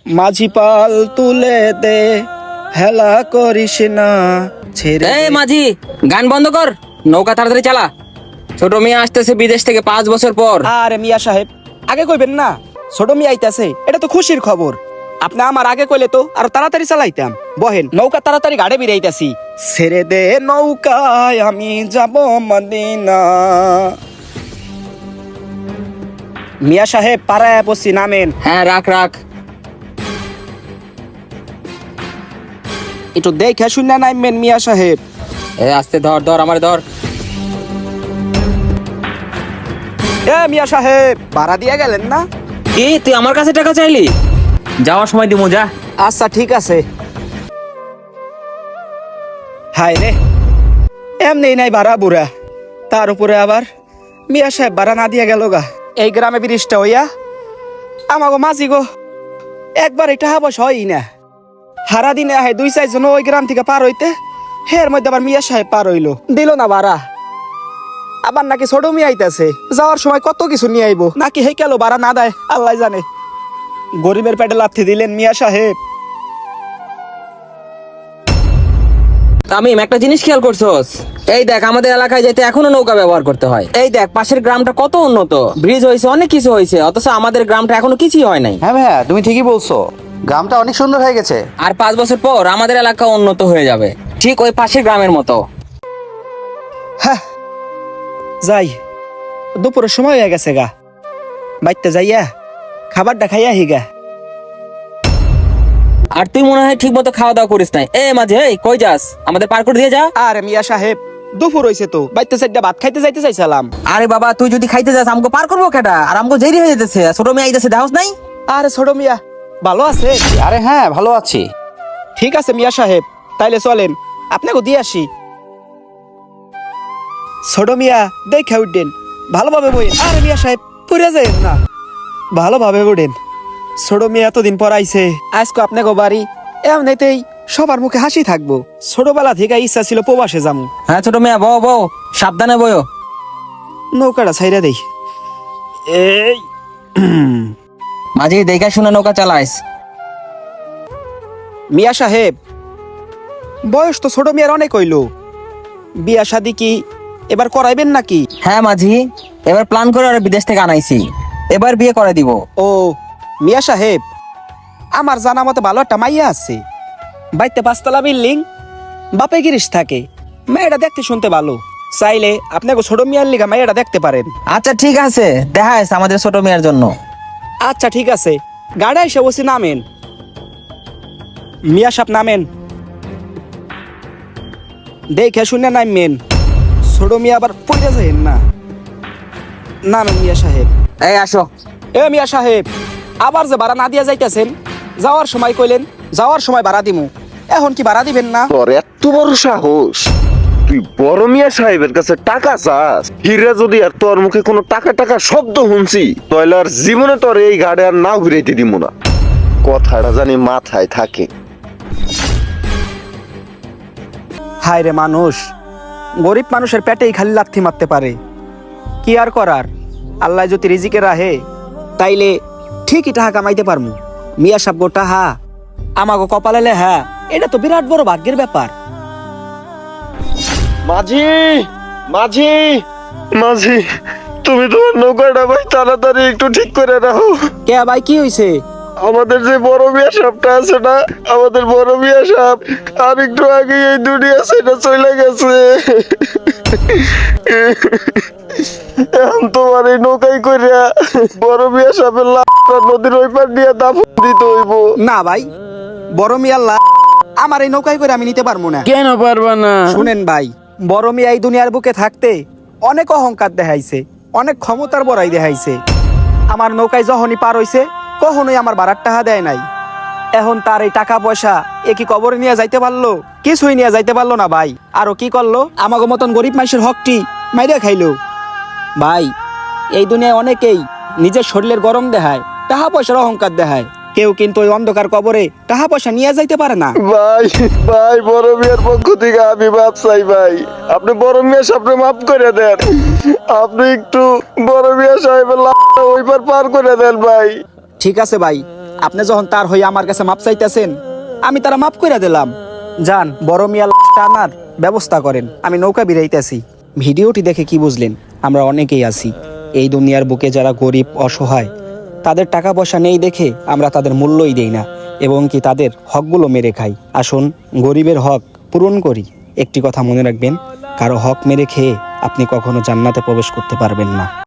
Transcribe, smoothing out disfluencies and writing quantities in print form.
মাঝি পাল তুলে দে, হেলা করিস না ছেড়ে এই মাঝি, গান বন্ধ কর, নৌকা তাড়াতাড়ি চালা। ছোট মেয়ে আসতেছে বিদেশ থেকে 5 বছর পর। আরে মিয়া সাহেব, আগে কইবেন না ছোট মিয়া আইতাছে, এটা তো খুশির খবর। আপনি আমার আগে কইলে তো আরো তাড়াতাড়ি চালাইতাম। বহেন, নৌকা তাড়াতাড়ি গাড়ি বিরাইতাছি। ছেড়ে দে নৌকায় আমি যাব মদিনা। মিয়া সাহেব পাড়ায় বসি, নামেন। হ্যাঁ, রাখ রাখ। একটু দেখে শুনে নামবেন মিয়া সাহেব। আস্তে ধর ধর, আমার ধর। এ মিয়া সাহেব, ভাড়া দিয়ে গেলেন না? কি তুই আমার কাছে টাকা চাইলি? যাওয়ার সময় দিমু, যা। আচ্ছা ঠিক আছে। হায় রে, এমনি নাই ভাড়া বুড়া, তার উপরে আবার মিয়া সাহেব ভাড়া না দিয়ে গেল গা। এই গ্রামে ব্রিজটা হইয়া আমাগো মাঝি গো একবার এটা হাবস হয়ই না। হারা দিনে আহে 2-4 জন ওই গ্রাম থেকে পার হইতে, হের মধ্যে আবার মিয়া সাহেব পার হইলো, দিল না ভাড়া। আবার নাকি ছোট মিয়া আইতাছে, যাওয়ার সময় কত কিছু নিয়ে আইবো, নাকি হে কেন ভাড়া না দেয় আল্লাহ জানে। গরিবের পেটে লাথি দিলেন মিয়া সাহেব। তামিম, একটা জিনিস খেয়াল করছস? এই দেখ, আমাদের এলাকায় যেতে এখনো নৌকা ব্যবহার করতে হয়। এই দেখ, পাশের গ্রামটা কত উন্নত, ব্রিজ হয়েছে, অনেক কিছু হয়েছে, অথচ আমাদের গ্রামটা এখনো কিছুই হয় নাই। হ্যাঁ ভাইয়া, তুমি ঠিকই বলছো, গ্রামটা অনেক সুন্দর হয়ে গেছে। আর 5 বছর পর আমাদের এলাকা উন্নত হয়ে যাবে, ঠিক ওই পাশের গ্রামের মতো। হ্যাঁ যাই, দুপুরের সময় হয়ে গেছে গা, বাইতে যাইয়া খাবারটা খাইয়া হিগা। আর তুই মনে হয় ঠিক মতো খাওয়া দাওয়া করিস নাই। এ মাঝে, এই কই যাস? আমাদের পার করে দিয়ে যা। আরে মিয়া সাহেব, দুপুর হইছে তো, বাইতে চাইটা ভাত খাইতে যাইতে চাইছিলাম। আরে বাবা, তুই যদি খাইতে যাস আমগো পার করবো কেডা? আর আমগো দেরি হয়ে যেতেছে, ছোট মেয়ে আইতেছে, দেখাস নাই? আরে ছোট মিয়া ভালো আছে? আরে হ্যাঁ, ভালো আছি। ঠিক আছে মিয়া সাহেব, তাইলে চলেন আপনাকে দিয়ে আসি। ছোট মিয়া দেখে উঠবেন, ভালোভাবে বইন। আরে মিয়া সাহেব পুরে যাইন না, ভালোভাবে উঠেন। ছোট মিয়া এতদিন পর আইছে, আজকে আপনাকে বাড়ি এমনিতেই সবার মুখে হাসি থাকবো। ছোটবেলা থেকে ইচ্ছা ছিল প্রবাসে যাবো। হ্যাঁ ছোট মেয়ে, বও বও, সাবধানে বয়ো। নৌকাটা ছাইরা দেই। এই মাঝে দেখা শুনে নৌকা চালাইস। মিয়া সাহেব, বয়স তো ছোট মিয়ার অনেক হইলো, বিয়া শাদি কি এবার করাইবেন নাকি? হ্যাঁ মাঝি, এবার প্ল্যান করে আর বিদেশ থেকে আনাইছি, এবার বিয়ে করে দিব। ও মিয়া সাহেব, আমার জানা মতে ভালো একটা মাইয়া আছে, বাইতে 5 তলা বিল্ডিং, বাপে গিরিশ থাকে, মেয়েটা দেখতে শুনতে ভালো, চাইলে আপনাকে ছোট মিয়ার লিগা মাইয়াটা দেখতে পারেন। আচ্ছা ঠিক আছে, দেখা আছে আমাদের ছোট মেয়ের জন্য। আচ্ছা ঠিক আছে, গাড়ি এসে বসে নামেন। মিয়া সাহেব নামেন, দেখে শুনে নামেন, ছোট মিয়া আবার পড়ে যাবেন না। নামেন মিয়া সাহেব। এই আসো। এ মিয়া সাহেব, আবার যে ভাড়া না দিয়া যাইতেছেন, যাওয়ার সময় কইলেন যাওয়ার সময় ভাড়া দিমু, এখন কি ভাড়া দিবেন না? তোর এত বড় সাহস, তুই বড় মিয়া সাহেবের কাছে টাকা চাস? হিরে যদি আর তোর মুখে কোনো টাকা টাকা শব্দ শুনছি, তাহলে আর জীবনে তোর এই গাড়ি আর নাও ঘুরাইতে দিব না। কথাটা জানি মাথায় থাকে। হায় রে মানুষ, গরিব মানুষের পেটেই খালি লাথি মারতে পারে, কি আর করার। আল্লাহ যদি রিজিকে রাহে তাইলে ঠিকই টাকা কামাইতে পারমু। মিয়া সাহেব গো টাহা আমাগো কপালে লেহা, এটা তো বিরাট বড় ভাগ্যের ব্যাপার। মাঝি, মাঝি, মাঝি, তুমি তোমার নৌকাটা ভাই তাড়াতাড়ি একটু ঠিক করে রাখো। কে ভাই, কি হইছে? আমাদের যে বড় মিয়া সাহেবটা আছে না, আমাদের বড় মিয়া সাহেব আর একটু আগে এই দুনিয়া ছেড়ে চলে গেছে। এখন তোমার এই নৌকাই কইরা বড় মিয়া সাহেবের লাশটা নদীর ওই পার দিয়ে দাফন দিতে হইব। না ভাই, বড় মিয়া আমার এই নৌকায় করে আমি নিতে পারবো না। কেন পারবা না? শুনেন ভাই, বড় মিয়া এই দুনিয়ার বুকে থাকতে অনেক অহংকার দেখাইছে, অনেক ক্ষমতার বড়াই দেখাইছে। আমার নৌকায় যখনই পার হইছে কখনোই আমার ভাড়ার টাকা দেয় নাই। এখন তার এই টাকা পয়সা এ কি কবরে নিয়ে যাইতে পারলো? কিছুই নিয়ে যাইতে পারলো না ভাই। আরো কি করলো, আমাগো মতন গরিব মানুষের হকটি মাইরা খাইলো। ভাই, এই দুনিয়ায় অনেকেই নিজের শরীরের গরম দেখায়, টাকা পয়সার অহংকার দেখায়, কেউ কিন্তু ওই অন্ধকার কবরে টাকা পয়সা নিয়ে যাইতে পারে না। ভাই, ভাই, বড় মিয়ার পক্ষ থেকে আমি মাপ চাই ভাই, আপনি বড় মিয়া সাহেবকে মাফ করে দেন। আপনি একটু বড় মিয়া সাহেবের লাশটা ওই পার পার করে দেন ভাই। ঠিক আছে ভাই, আপনি যখন তার হয়ে আমার কাছে মাপ চাইতেছেন, আমি তারা মাপ করে দিলাম। যান, বড় মিয়া লাশটা আনার ব্যবস্থা করেন, আমি নৌকা বিরাইতেছি। ভিডিওটি দেখে কি বুঝলেন? আমরা অনেকেই আছি এই দুনিয়ার বুকে যারা গরিব অসহায়, তাদের টাকা পয়সা নেই দেখে আমরা তাদের মূল্যই দেই না এবং কি তাদের হকগুলো মেরে খাই। আসুন গরিবের হক পূরণ করি। একটি কথা মনে রাখবেন, কারো হক মেরে খেয়ে আপনি কখনো জান্নাতে প্রবেশ করতে পারবেন না।